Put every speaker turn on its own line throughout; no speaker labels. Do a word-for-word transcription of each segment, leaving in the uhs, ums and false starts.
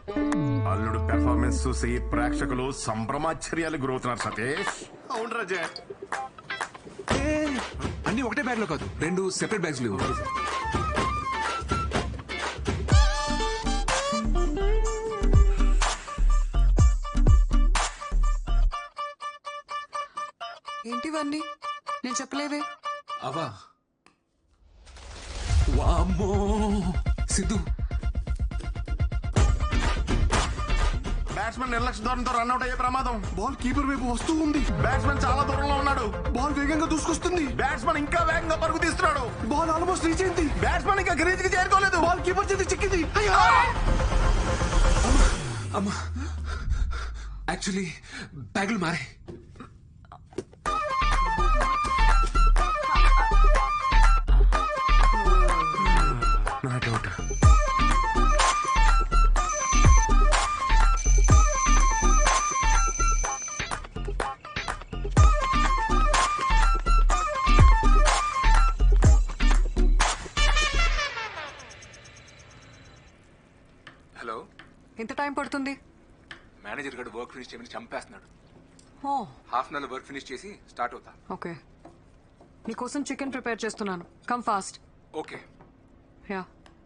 అల్లుడు పెర్ఫార్మెన్స్ చూసి ప్రేక్షకులు సంభ్రమాశ్చర్యాలు గురవుతున్నారు సతీష్. అవును రజే,
అన్ని ఒకటే బ్యాగ్ లో కాదు, రెండు సెపరేట్ బ్యాగ్స్ లేవు.
ఏంటివన్నీ నేను చెప్పలేవే.
అవా వామ్మో సిద్ధు,
బ్యాట్స్మెన్ నిర్లక్ష్య ధోరణితో రన్అట్ అయ్యే ప్రమాదం.
బాల్ కీపర్ వైపు వస్తూ ఉంది.
బ్యాట్స్మెన్ చాలా దూరంలో ఉన్నాడు.
బాల్ వేగంగా దూసుకొస్తుంది.
బ్యాట్స్మెన్ ఇంకా వేగంగా పరుగు తీస్తున్నాడు.
బాల్ ఆల్మోస్ట్ రీచ్ అయింది.
బ్యాట్స్మెన్ ఇంకా క్రీజ్ కి చేరుకోలేదు.
బాల్ కీపర్ చేతి చిక్కింది.
అమ్మా యాక్చువల్లీ బ్యాగులు మారే.
నా డౌట్.
హలో,
ఎంత టైం పడుతుంది?
మేనేజర్ గారు వర్క్ ఫినిష్ చేయమని చంపేస్తున్నాడు.
ఓ
half an hour work finish చేసి స్టార్ట్ అవుతా.
ఓకే, నీకోసం చికెన్ ప్రిపేర్ చేస్తున్నాను. Come fast.
Okay.
Yeah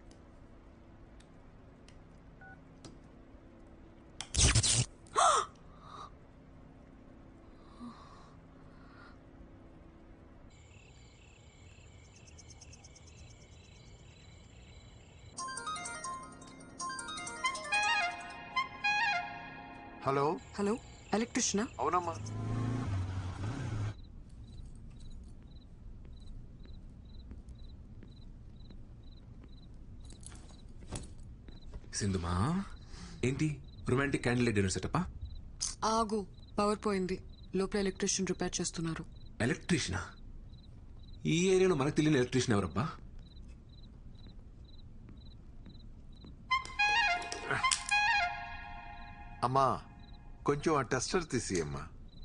hello
hello, ఎలక్ట్రిషియనా?
అవునమ్మా.
సింధుమా ఏంటి రొమాంటిక్ క్యాండిల్ డిన్నర్ సెటప్పా?
ఆగు, పవర్ పోయింది. లోపల ఎలక్ట్రిషియన్ రిపేర్ చేస్తున్నారు.
ఎలక్ట్రీషియనా? ఈ ఏరియాలో మనకు తెలియని ఎలక్ట్రీషియన్ ఎవరబ్బా?
అమ్మా కొంచెం ఆ టెస్టర్ తీసి అమ్మా.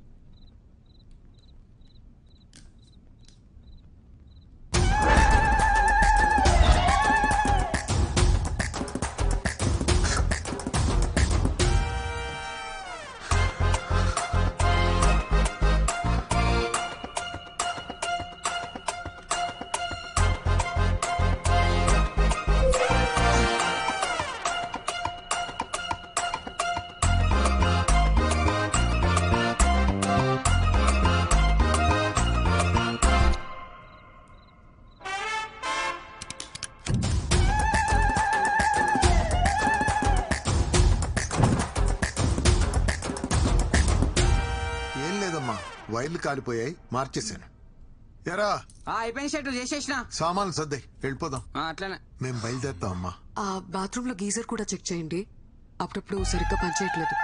వైర్లు కాలిపోయాయి, మార్చేశాను. ఎరా
అయిపోయిన షర్ట్ చేసేసిన
సామాన్లు సర్దాయి, వెళ్ళిపోదాం.
అట్లానే
మేము బయలుదేరుతాం అమ్మా.
ఆ బాత్రూమ్ లో గీజర్ కూడా చెక్ చేయండి, అప్పుడప్పుడు సరిగ్గా పనిచేయట్లేదు.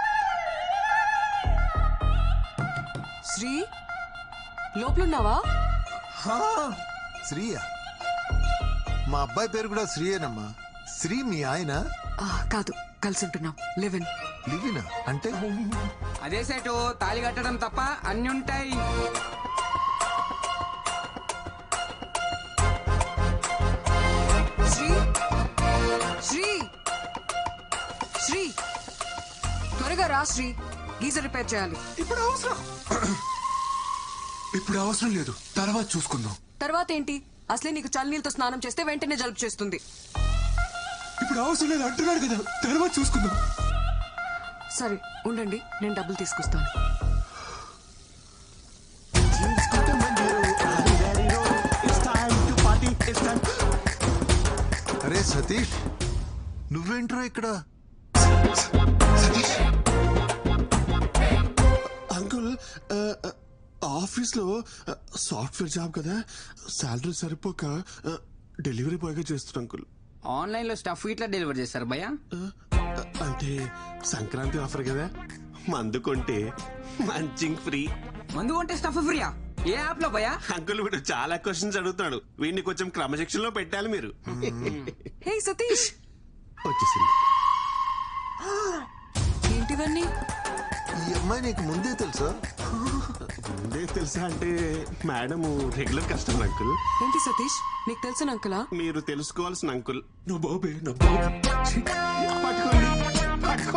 శ్రీ, లోపలున్నావా?
శ్రీయా? మా అబ్బాయి పేరు కూడా శ్రీయేనమ్మా. శ్రీ మీ ఆయన?
ఆ, కాదు, కలిసి ఉంటున్నాం. లివిన్.
లివినా అంటే?
అదే సెట్, తాళి కట్టడం తప్ప అన్ని ఉంటాయి.
శ్రీ, శ్రీ, శ్రీ, త్వరగా రా శ్రీ, గీజర్ రిపేర్ చేయాలి.
ఇప్పుడు అవసరం ఇప్పుడు అవసరం లేదు, తర్వాత చూసుకుందాం.
తర్వాత ఏంటి? అసలే నీకు చల్లనీళ్ళతో స్నానం చేస్తే వెంటనే జలుబు చేస్తుంది.
ఇప్పుడు అవసరం లేదు అంటున్నాడు కదా, తర్వాత చూసుకుందాం.
సరే ఉండండి, నేను డబ్బులు తీసుకొస్తాను.
అరే సతీష్, నువ్వేంట్రా ఇక్కడ?
అంకుల్, ఆఫీస్ లో సాఫ్ట్వేర్ జాబ్ కదా, శాలరీ సరిపోక డెలివరీ బాయ్ గా చేస్తున్నా అంకుల్.
ఆన్లైన్ లో స్టఫ్ ఇట్లా డెలివర్ చేస్తారు భయ్యా?
అంటే సంక్రాంతి ఆఫర్ కదా, మందు కొంటే మంచింగ్ ఫ్రీ.
మందు కొంటే స్టఫ్ ఫ్రీయా? ఏ యాప్ లో భయ్యా?
అంకుల్ వీడు చాలా క్వశ్చన్స్ అడుగుతాడు, వీడిని కొంచెం క్రమశిక్షణ లో పెట్టాలి మీరు.
హే సతీష్,
వచ్చేసింది.
ఏంటివన్నీ?
ఈ అమ్మాయి నీకు ముందే తెలుసా?
ముందే తెలుసా అంటే మేడం రెగ్యులర్ కస్టమర్ అంకుల్.
ఏంటి సతీష్, నీకు తెలిసిన అంకులా?
మీరు తెలుసుకోవాల్సిన అంకుల్.
నా బాబే, నా బాబే.
పట్టుకోండి.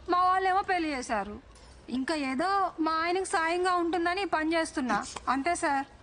మా వాళ్ళేమో పెళ్లి చేశారు. ఇంకా ఏదో మా ఆయనకు సాయంగా ఉంటుందని ఈ పని చేస్తున్నా అంతే సార్.